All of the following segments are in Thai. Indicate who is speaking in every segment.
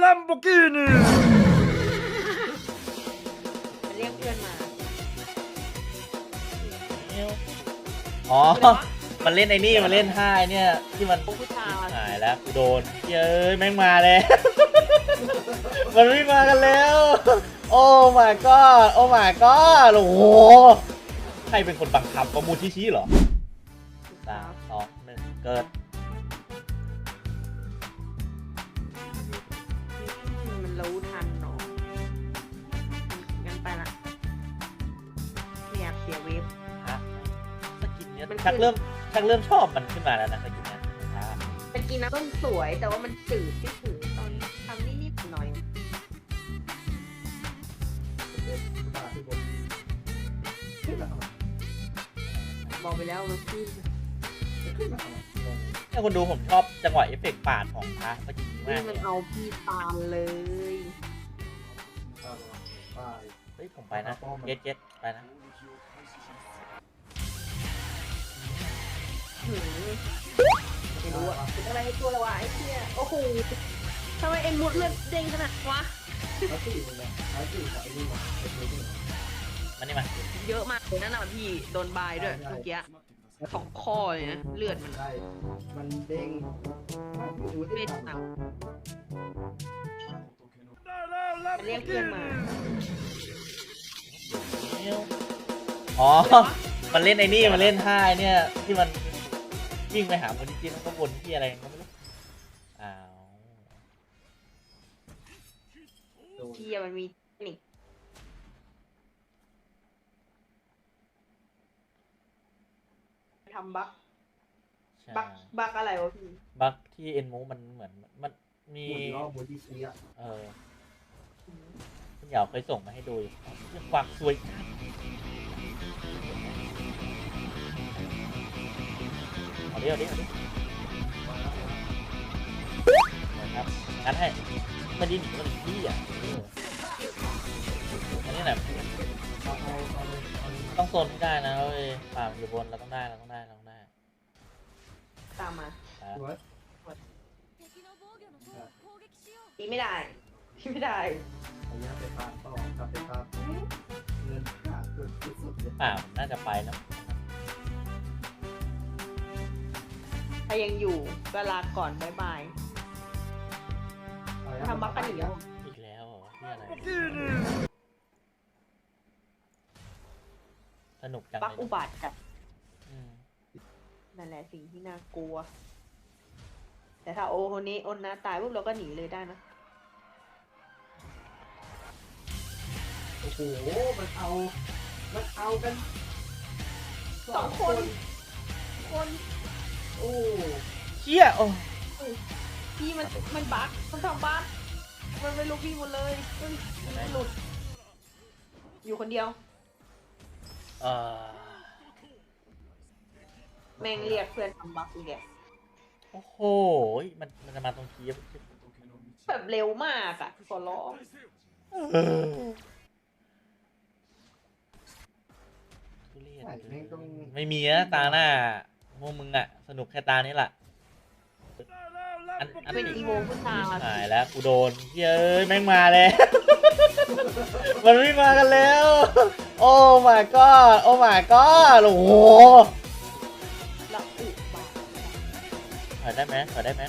Speaker 1: Lamborghini
Speaker 2: เรียกเพื่อนมา
Speaker 3: อ๋อ มันเล่นไอ้นี่มันเล่นท่าไอ้เนี่ยที่มัน
Speaker 2: ผู้ชาย
Speaker 3: หายแล้วกูโดนเย้ยแม่งมาแล้ว มันไม่มากันแล้ว โอ้ my god โอ้ my god โอ้โหใครเป็นคนบังคับประมูลชี้เหรอ3 2 1เกิด
Speaker 2: มันรู้ทันเนาะงั้นไปละไม่อยากเสียเวฟ
Speaker 3: ฮะสกินเนี้ย
Speaker 2: มันคือ
Speaker 3: ชักเริ่มชอบมันขึ้นมาแล้วนะสกินเนี้ยฮะ
Speaker 2: ตะกี้นะต้นสวยแต่ว่ามันจืดที่ถือตอนทำนิดๆหน่อยบอกไปแล้วมันขึ้น
Speaker 3: เนี่ยคนดูผมชอบจังหวะเอฟเฟกต์ปาดของพระสกินนี้
Speaker 2: นี่
Speaker 3: มาก
Speaker 2: มันเอาพี่ตามเลย
Speaker 3: เฮ้ยผมไปนะเจ็ดไปนะ
Speaker 2: หืมไม่รู้อะเป็นอะไรให้ตัวละวะไอ้เชี่ยโอ้โหทำไมเอ็นมุดเลือดเด้งขนาดวะ
Speaker 3: มันนี่มา
Speaker 2: เยอะมากเลยนั่นน่ะพี่โดนบายด้วยเมื่อกี้2 ข้อเลยนะเลือดมัน
Speaker 4: ใช่มันเด้งดู
Speaker 2: เว
Speaker 4: ที่
Speaker 2: ท
Speaker 4: ทำ
Speaker 2: ต่ำ
Speaker 1: ได้แล้ว
Speaker 2: เรียกเพื่อนมา
Speaker 3: อ๋อ มันเล่นไอ้นี่มันเล่นท่าไอ้เนี่ยที่มันวิ่งไปหาคนที่แล้วก็วนที่อะไรก็ไม่รู้อ้าว
Speaker 2: พี่มันมีเทคนิค ทำบั๊ก
Speaker 3: ใช่
Speaker 2: บั๊กอะไรวะพี่
Speaker 3: บั๊กที่เอ็นมูมันเหมือนมันมี
Speaker 4: ล้อบนที่ชี้อ่ะ
Speaker 3: คุณเหยาเคยส่งมาให้ดูอยู่ฝากสวยเอาดินะครับงั้นให้ไม่ได้หนีมันที่อ่ะอันนี้แหละต้องโซนให้ได้นะเว้ยป่ามันอยู่บนเราต้องได้
Speaker 2: ตามมา
Speaker 4: สวย
Speaker 2: ตีไม่ได้ตีไม่ได้
Speaker 4: พยายามไปตามต่อกลับไปตามเงินขาดสุดๆเลย
Speaker 3: ป่ามันน่าจะไปแล้ว
Speaker 2: ถ้ายังอยู่ก็ลาก่อนบ๊ายบายทำบั๊กกันอีกแล้ว
Speaker 3: อีกแล้วเหรอที่อะไร
Speaker 1: Lamborghini
Speaker 3: สนุกจัง
Speaker 2: บั๊ก
Speaker 3: เลย
Speaker 2: อุบาทจัด
Speaker 3: อืม
Speaker 2: นั่นแหละสิ่งที่น่ากลัว แต่ถ้าโอคนนี้โอนนะตายปุ๊บเราก็หนีเลยได้นะ
Speaker 4: โอ้โหมันเอากัน
Speaker 2: 2 คน
Speaker 4: โอ้
Speaker 3: เชี่ยโอ้
Speaker 2: พี่มันบั๊กมันทำบั๊กมันไปลุกพี่หมดเลยเฮ้ยมันหลุด อยู่คนเดียว
Speaker 3: เออ
Speaker 2: แม่งเรียกเพื่อนทำบั๊กอีกแก
Speaker 3: โอ้โหมันจะมาตรงคีบ
Speaker 2: แบบเร็วมากอ่ะขอร้อง
Speaker 3: ทุเรศ
Speaker 4: ใช่แม่งต้อง
Speaker 3: ไม่มีนะตาหน้าพวกมึงอะสนุกแค่ตานี้แหละอัน
Speaker 2: เป็นอีโวผู้ชาย
Speaker 3: หายแล้วกูโดนเย้ยแม่งมาแล้ว มันไม่มากันแล้ว โอ้ my god โอ้ my god โอ้โห
Speaker 2: ละอุบาท
Speaker 3: ถอยได้ไหม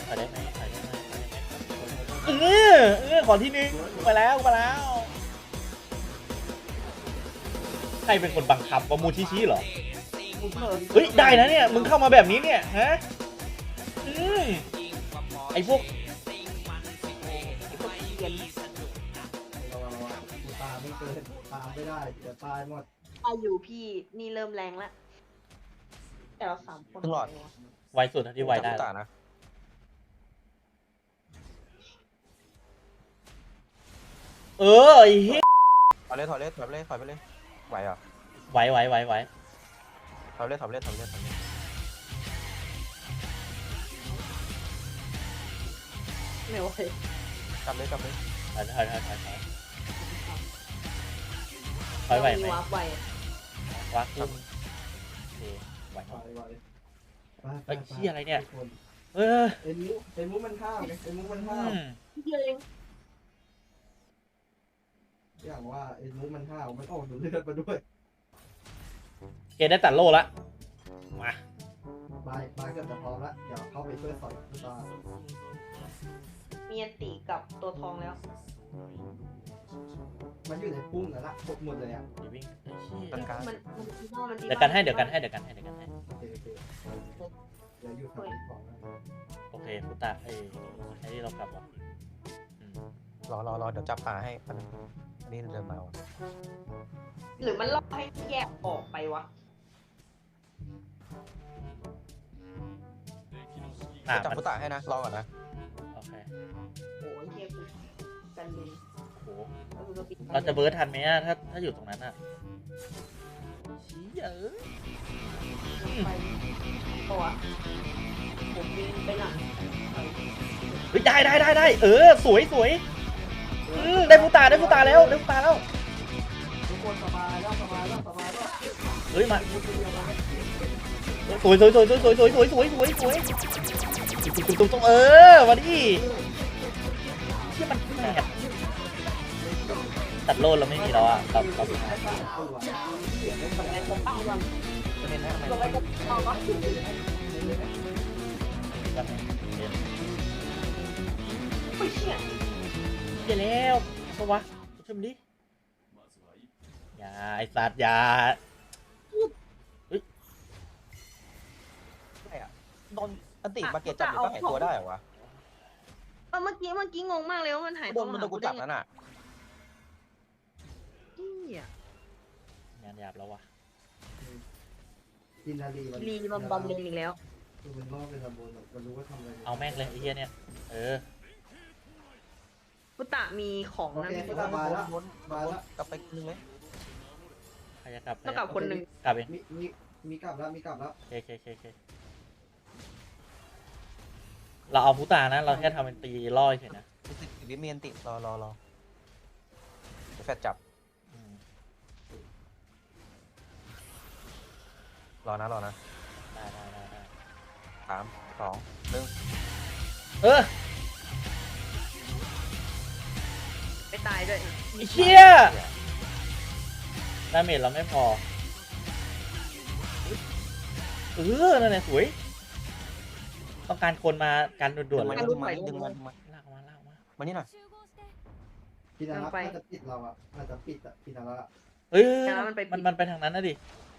Speaker 3: ขอที่นึงไปแล้วใครเป็นคนบังคับประมูลชี้เหรอ เฮ้ยได้นะเนี่ยมึงเข้ามาแบบนี้เนี่ยฮะไอพวก
Speaker 2: เขียน
Speaker 4: ตามไม่เกินตามไม่ได้จะตายหมด
Speaker 2: อายุพี่นี่เริ่มแรงแล้วแต่เรา3 คน
Speaker 5: ตลอด
Speaker 3: ไวสุดเท่าที่ไวได้
Speaker 5: ตานะ
Speaker 3: เออไอ้เหี้ย
Speaker 5: ถอยไปเลยไหวเหรอ
Speaker 3: ไหว
Speaker 5: ถอยไปเลย
Speaker 2: ไม่ไหว
Speaker 5: กลับเลย
Speaker 3: ถอยไหวไหม
Speaker 2: มีวาร์ปไวอะ
Speaker 3: วักขึ้นโอเคไหว
Speaker 4: ไหว
Speaker 3: เฮ้ยเหี้ยอะไรเนี่ย เออ
Speaker 4: เอ็นมุมันห้ามไงเอ็นมุมันห้าม
Speaker 2: พี่เอง
Speaker 4: ว่าไอ้มุกมันห้าวมันออกดูเลือดมาด้วย
Speaker 3: เกได้ตัดโล่ละมา
Speaker 4: บายเกือบจะพร้อมละเดี๋ยวเข้าไปช่วยสอยคุณตา
Speaker 2: มีอันติกับตัวทองแล้ว
Speaker 4: มันอยู่ในพุ่งแล้วละครบหมดเลยอ่ะ
Speaker 3: เดี๋ยววิ่งไอ้เหี้ย
Speaker 5: ต้นกลาง
Speaker 2: มันดีมากมันดี
Speaker 3: เดี๋ยวกันให้เดี๋ยวกันให้เดี๋ยวกันให้เดี๋ยวกันให้
Speaker 4: โอเคเดี๋ยวอยู่ทางนี้ก่อนนะ
Speaker 3: โอเคพุตะไอ้นี่เรากลับว่ะอืม
Speaker 5: รอเดี๋ยวจับปลาให้อันนี้เดินมาว่ะ
Speaker 2: หรือมันล่อให้แยกออกไปวะ
Speaker 3: อ่ะ
Speaker 5: จับ
Speaker 3: มัน
Speaker 5: พุตะให้นะรอก่อนนะ
Speaker 3: โอเค
Speaker 2: โอ้ยเฮียกูกันเลย
Speaker 3: โอ้โห
Speaker 2: แล้วกูก็ปิด
Speaker 3: เราจะเบิร์ดทันไหมอะถ้าอยู่ตรงนั้นอะชี้เอ้ย
Speaker 2: ไปตัวผมยิงไปหลัง
Speaker 3: เฮ้ยได้เออสวยได้พุตาแล้ว
Speaker 4: ทุกคนสบายแล้ว
Speaker 3: เฮ้ยมาสวยตุ้มเออมาดิเชี่ยมันแหกตัดโลดเราไม่มีแล้วอ่ะครับ
Speaker 2: ในกระเป๋าก่อน
Speaker 5: จะเน้นให้ทำไม
Speaker 2: ลงไปกระเป๋าก่อน ไม่เชี่ย
Speaker 3: เชี่ยแล้วเพราะวะช่วยมันดิอย่าไอ้สัตว์อย่า
Speaker 5: ไม่อะโดนอันติมาเกตจับอยู่ก็หายตัวได้เหรอวะ
Speaker 2: เมื่อกี้งงมากเลยว่ามันหาย
Speaker 5: โดนมันโดนกูจับนั่นน่ะ
Speaker 2: เนี่ย
Speaker 3: งานหยาบแล้ววะ
Speaker 4: กินนาลี
Speaker 2: รีบำเลนอีกแล้ว
Speaker 4: คือมันล่อเป็นระบบมันรู้ว่าทำอะไร
Speaker 3: เอาแม่งเลยไอ้เหี้ยเนี่ยเออ
Speaker 2: พุตะมีของ
Speaker 4: โอ
Speaker 2: นะ
Speaker 4: เค
Speaker 2: มี
Speaker 4: ก็บายแล้วบายแล้ว
Speaker 5: กลับไปนึงเลย
Speaker 3: ใครจะกลับ
Speaker 2: ต้องกลับคนหนึ่ง
Speaker 3: กลับเอง
Speaker 4: มีกลับแล้ว
Speaker 3: เคเราเอาพุตานะเราแค่ทำเป็นตีล่อยเฉยนะ
Speaker 5: วิเมียนติรอแฟดจับ
Speaker 3: อืม
Speaker 5: รอนะ
Speaker 3: ได้
Speaker 5: 3 2 1
Speaker 3: เออ
Speaker 2: ไม่ตายด้วย
Speaker 3: ไอ้เชี่ยดาเมจเราไม่พอเออนั่นแหละสวยต้องการคนมากันด่วนๆเลย
Speaker 5: ดึงมัน
Speaker 3: ลากมา
Speaker 5: มานี่หน่อย
Speaker 4: พี่นารักน่าจะปิดเราอ่ะน่าจะปิดอ่ะพี่นารัก
Speaker 3: เฮ้ยมันไปทางนั้นนะดิ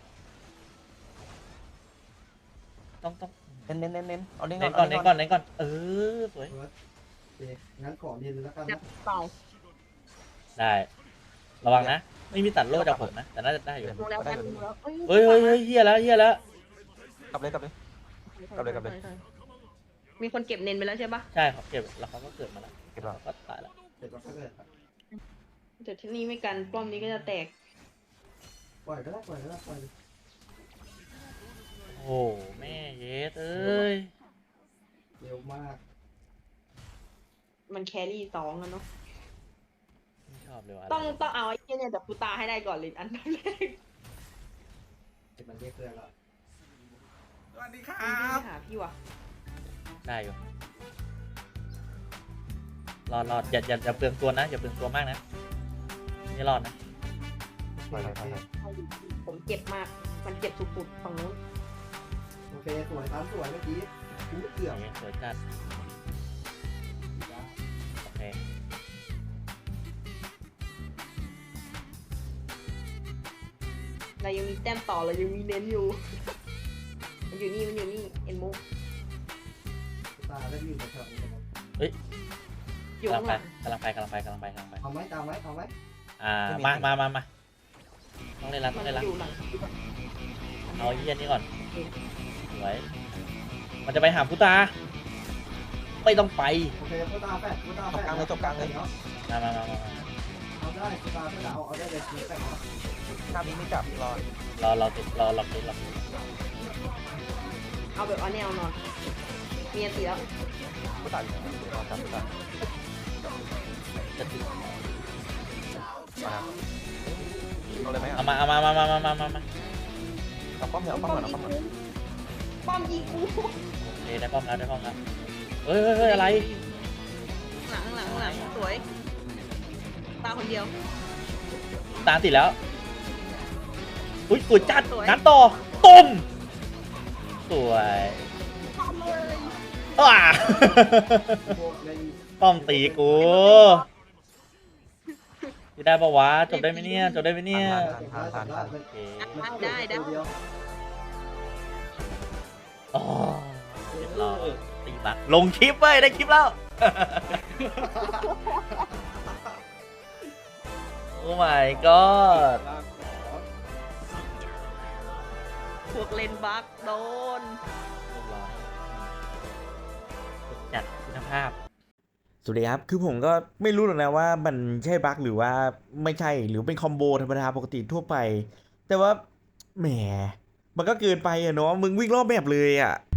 Speaker 3: ต้อง
Speaker 5: เน้นเอาเน้น
Speaker 3: เน้น
Speaker 5: ก่
Speaker 3: ก่
Speaker 5: อ
Speaker 3: อน นเออสวย
Speaker 4: โอเคงั้นขอเรียนแล้วกัน
Speaker 2: จั
Speaker 4: นะ
Speaker 2: บเป่า
Speaker 3: ได้ระวังนะไม่มีตัดโล่จากผมนะแต่น่าจะได้อยู่
Speaker 2: ลงแล้วกันลงแล้ว
Speaker 3: เฮ้ยเฮียแล้ว
Speaker 5: กลับเลย
Speaker 2: มีคนเก็บเน้นไปแล้วใช่ปะ
Speaker 3: ใช่ครับเก็บแล้วเขาก็เกิดมาแล้ว
Speaker 5: เก็บแล้ว
Speaker 3: ก็ตายแล้ว
Speaker 4: เดี๋ยวเราก็เกิด
Speaker 2: เดี๋ยวที่นี่ไม่กันป้อมนี้ก็จะแตก
Speaker 4: ปล่อยก็ได้ปล่อย
Speaker 3: โอ้แม่เยสเอ้ย
Speaker 4: เร็วมาก
Speaker 2: มันแครี่2กันเนาะ
Speaker 3: ไม่ชอบเลยว่ะ
Speaker 2: ต้องเอาไอ้เนี่ยจากพุตาให้ได้ก่อนเลยอันดับแรก
Speaker 4: เป็นมันเรียกเพื่อนแล้ว
Speaker 1: สวัสดีครั
Speaker 2: วิ่ง
Speaker 1: บ
Speaker 2: ไปหาพี่วะ
Speaker 3: ได้อยู่รอดอย่าเปลืองตัวนะอย่าเปลืองตัวมากนะนี่รอดนะ
Speaker 5: ถอย
Speaker 2: ผมเจ็บมาก มันเจ็บสุดๆฝั่งนู้น
Speaker 4: โอเคสวยครับสวยเมื่อกี้เกือบ
Speaker 3: นี่สวยจัดโอเค
Speaker 2: เรายังมีแต้มต่อเรายังมีเน้นอยู่ มันอยู่นี่เอ็นมุก
Speaker 4: ตาได้อยู่ในแถวนี้นะครับ
Speaker 2: อยู่
Speaker 3: กำลั
Speaker 2: ข้าง ง
Speaker 3: ไป
Speaker 2: หลัง
Speaker 3: กำลังไป
Speaker 4: เอาไหมตามไหมเอาไหม
Speaker 3: มาต้องเล่นละ
Speaker 2: มันอยู่หลัง
Speaker 3: เอาไอ้เยี่ยนี่ก่อนสวยมันจะไปหาพุตาไม่ต้องไป
Speaker 4: โอเคกูตาแฟด
Speaker 3: มา
Speaker 4: เอาได้กูตาแฟดเอาได้เลยแฟด
Speaker 5: หน้านี้ไม่จับรอ
Speaker 3: รอติด
Speaker 2: เอาแบบเอาแนวนอนมีอันตีแล้ว
Speaker 5: พุตะอยู่ไหนรอจับพุตะ
Speaker 3: จะถึง
Speaker 5: มาเอาเลยไหม
Speaker 3: เอามา
Speaker 5: เอาป้อมเอาป้อมก่อน
Speaker 2: ป้อมยิงกู
Speaker 3: โอเคได้ป้อมแล้วเฮ้ยอะไร
Speaker 2: หลังสวย ตาคนเดียว
Speaker 3: ตามติดแล้วอุ้ยสวยจัดงัดต่อตุ้มสวยว้า
Speaker 4: พวกใน
Speaker 3: ป้อมตีกูจะได้ปะวะจบได้ไหมเนี่ยจบได้ไหมเนี่ย โอเค
Speaker 2: ได้ได้
Speaker 4: ตัวเดียว
Speaker 3: อ๋อเรียบร้อยตีบักลงคลิปเว้ยได้คลิปแล้ว โอ้ my god
Speaker 2: พวกเลนบักโดน
Speaker 3: เรียบร้อยจัดคุณภาพ
Speaker 6: สวัสดีครับ คือผมก็ไม่รู้หรอกนะว่ามันใช่บั๊กหรือว่าไม่ใช่ หรือเป็นคอมโบธรรมดาปกติทั่วไป แต่ว่าแหม มันก็เกินไปอะเนาะ มึงวิ่งรอบแบบเลยอะ